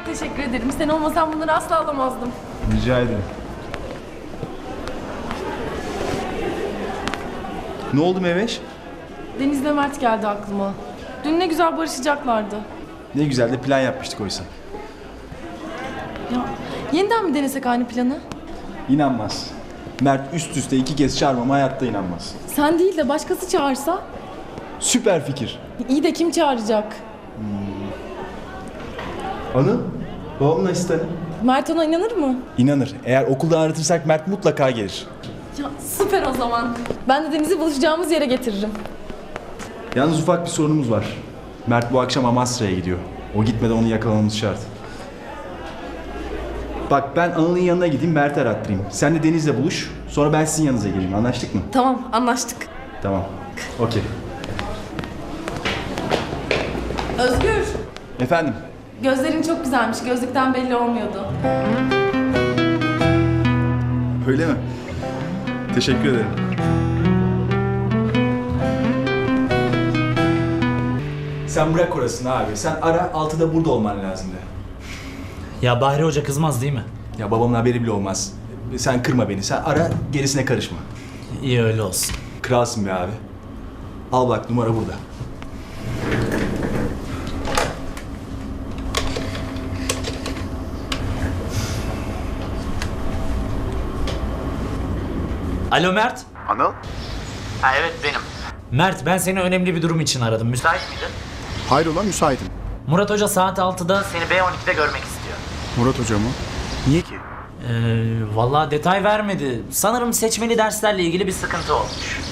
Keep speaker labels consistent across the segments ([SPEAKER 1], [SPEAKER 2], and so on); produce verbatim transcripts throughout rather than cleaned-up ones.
[SPEAKER 1] teşekkür ederim. Sen olmasan bunları asla alamazdım.
[SPEAKER 2] Rica ederim. Ne oldu Meveş?
[SPEAKER 1] Deniz'le Mert geldi aklıma. Dün ne güzel barışacaklardı.
[SPEAKER 2] Ne güzel de plan yapmıştık oysa.
[SPEAKER 1] Ya yeniden mi denesek aynı planı?
[SPEAKER 2] İnanmaz. Mert üst üste iki kez çağırmama hayatta inanmaz.
[SPEAKER 1] Sen değil de başkası çağırsa?
[SPEAKER 2] Süper fikir.
[SPEAKER 1] İyi de kim çağıracak?
[SPEAKER 2] Anıl, babamın asistanı.
[SPEAKER 1] Mert ona inanır mı?
[SPEAKER 2] İnanır. Eğer okuldan aratırsak Mert mutlaka gelir.
[SPEAKER 1] Ya süper o zaman. Ben de Deniz'i buluşacağımız yere getiririm.
[SPEAKER 2] Yalnız ufak bir sorunumuz var. Mert bu akşam Amasra'ya gidiyor. O gitmeden onu yakalamamız şart. Bak ben Anıl'ın yanına gideyim, Mert'i arattırayım. Sen de Deniz'le buluş. Sonra ben sizin yanınıza geleyim. Anlaştık mı?
[SPEAKER 1] Tamam, anlaştık.
[SPEAKER 2] Tamam. Okey.
[SPEAKER 1] Özgür,
[SPEAKER 2] Efendim?
[SPEAKER 1] gözlerin çok güzelmiş. Gözlükten belli olmuyordu.
[SPEAKER 2] Öyle mi? Teşekkür ederim. Sen bırak orasını abi. Sen ara, altıda burada olman lazımdı.
[SPEAKER 3] Ya Bahri Hoca kızmaz değil mi?
[SPEAKER 2] Ya babamın haberi bile olmaz. Sen kırma beni. Sen ara, gerisine karışma.
[SPEAKER 3] İyi öyle olsun.
[SPEAKER 2] Kralsın be abi. Al bak, numara burada.
[SPEAKER 3] Alo Mert.
[SPEAKER 4] Anıl?
[SPEAKER 3] Ha evet benim. Mert ben seni önemli bir durum için aradım. Müsait miydin?
[SPEAKER 4] Hayrola, müsaitim.
[SPEAKER 3] Murat Hoca saat altıda seni B on ikide görmek istiyor.
[SPEAKER 4] Murat Hoca mı? Niye ki?
[SPEAKER 3] Ee, vallahi detay vermedi. Sanırım seçmeli derslerle ilgili bir sıkıntı olmuş.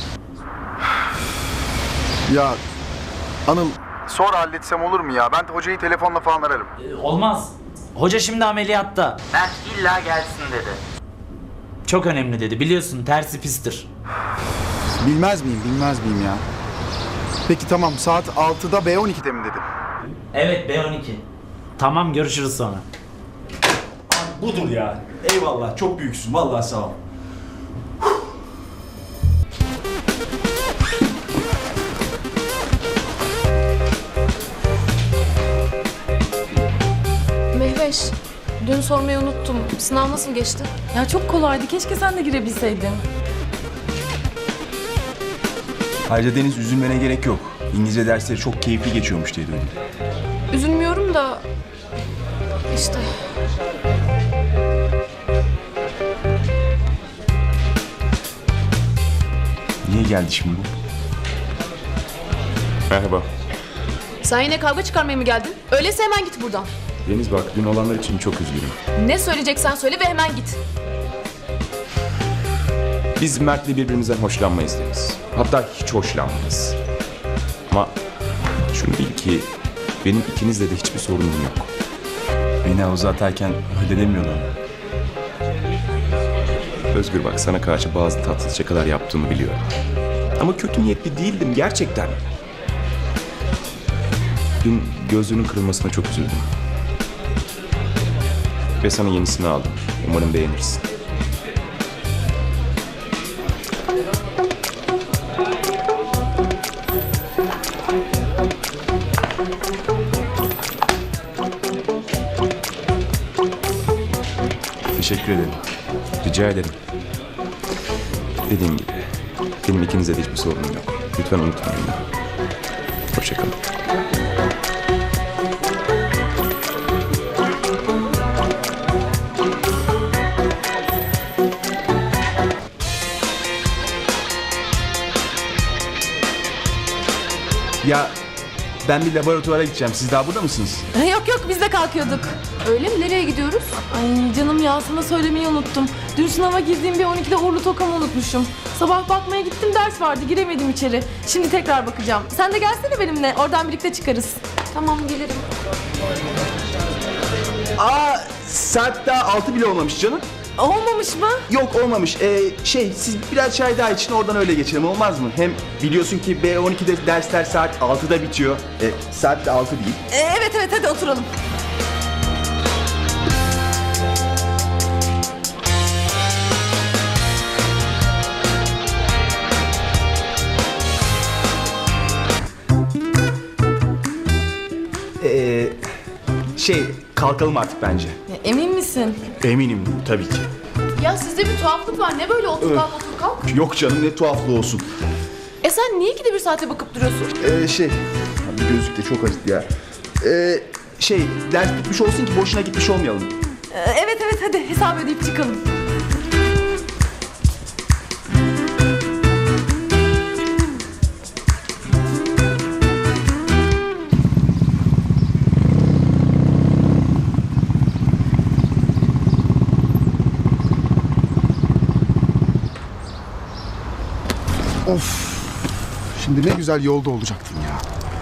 [SPEAKER 4] Ya Anıl, sonra halletsem olur mu ya? Ben hocayı telefonla falan ararım.
[SPEAKER 3] Ee, olmaz. Hoca şimdi ameliyatta. Mert illa gelsin dedi. Çok önemli dedi. Biliyorsun tersi pistir.
[SPEAKER 4] Bilmez miyim, bilmez miyim ya? Peki tamam, saat altıda B on ikide mi dedim?
[SPEAKER 3] Evet B on iki. Tamam görüşürüz sonra.
[SPEAKER 2] Budur ya. Eyvallah, çok büyüksün. Vallahi sağ ol.
[SPEAKER 5] Mehveş, dün sormayı unuttum. Sınav nasıl geçti?
[SPEAKER 1] Ya çok kolaydı. Keşke sen de girebilseydin.
[SPEAKER 2] Ayrıca Deniz, üzülmene gerek yok. İngilizce dersleri çok keyifli geçiyormuş diye duydum.
[SPEAKER 5] Üzülmüyorum da... işte...
[SPEAKER 2] Niye geldi şimdi bu?
[SPEAKER 6] Merhaba.
[SPEAKER 5] Sen yine kavga çıkarmaya mı geldin? Öyleyse hemen git buradan.
[SPEAKER 6] Deniz bak, dün olanlar için çok üzgünüm.
[SPEAKER 5] Ne söyleyeceksen söyle ve hemen git.
[SPEAKER 6] Biz Mert'le birbirimizden hoşlanmayız Deniz. Hatta hiç hoşlanmayız. Ama şunu bil ki benim ikinizle de hiçbir sorunum yok.
[SPEAKER 2] Beni havuza atarken öyle demiyordu ama.
[SPEAKER 6] Özgür bak, sana karşı bazı tatsız şakalar yaptığımı biliyorum. Ama kötü niyetli değildim gerçekten. Dün gözlüğünün kırılmasına çok üzüldüm. Ve sana yenisini aldım. Umarım beğenirsin.
[SPEAKER 2] Teşekkür ederim.
[SPEAKER 6] Rica ederim. Dediğim gibi benim ikinizle de hiçbir sorunum yok. Lütfen unutmayın beni. Hoşçakalın.
[SPEAKER 2] Ya ben bir laboratuvara gideceğim. Siz daha burada mısınız?
[SPEAKER 1] Yok yok, biz de kalkıyorduk.
[SPEAKER 5] Öyle mi? Nereye gidiyoruz?
[SPEAKER 1] Ay canım ya, sana söylemeyi unuttum. Dün sınava girdiğim bir on ikide uğurlu tokamı unutmuşum. Sabah bakmaya gittim, ders vardı, giremedim içeri. Şimdi tekrar bakacağım. Sen de gelsene benimle, oradan birlikte çıkarız.
[SPEAKER 5] Tamam, gelirim.
[SPEAKER 2] Aa, saat daha altı bile olmamış canım.
[SPEAKER 1] Olmamış mı?
[SPEAKER 2] Yok olmamış. Ee, şey, siz biraz çay daha için oradan öyle geçelim, olmaz mı? Hem biliyorsun ki B on ikide dersler saat altıda bitiyor. E, saat de altı değil.
[SPEAKER 1] Ee, evet evet, hadi oturalım.
[SPEAKER 2] Ee, şey, kalkalım artık bence.
[SPEAKER 1] Ya, emin misin?
[SPEAKER 2] Eminim tabii ki.
[SPEAKER 1] Ya sizde bir tuhaflık var. Ne böyle otur kalk otur kalk?
[SPEAKER 2] Yok canım ne tuhaflığı olsun.
[SPEAKER 1] E sen niye ikide bir saate bakıp duruyorsun?
[SPEAKER 2] Ee, şey, abi gözlük de çok acıdı ya. Ee, şey, ders bitmiş olsun ki boşuna gitmiş olmayalım.
[SPEAKER 1] Ee, evet evet hadi hesap ödeyip çıkalım.
[SPEAKER 4] Of. Şimdi ne güzel yolda olacaktım ya.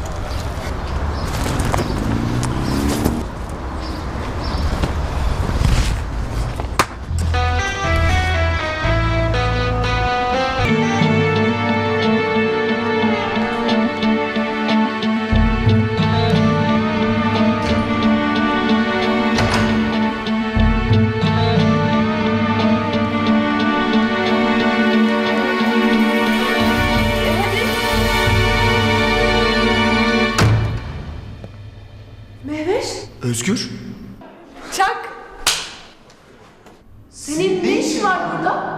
[SPEAKER 1] Mehveş.
[SPEAKER 2] Özgür.
[SPEAKER 1] Çak. Senin ne işin var burada?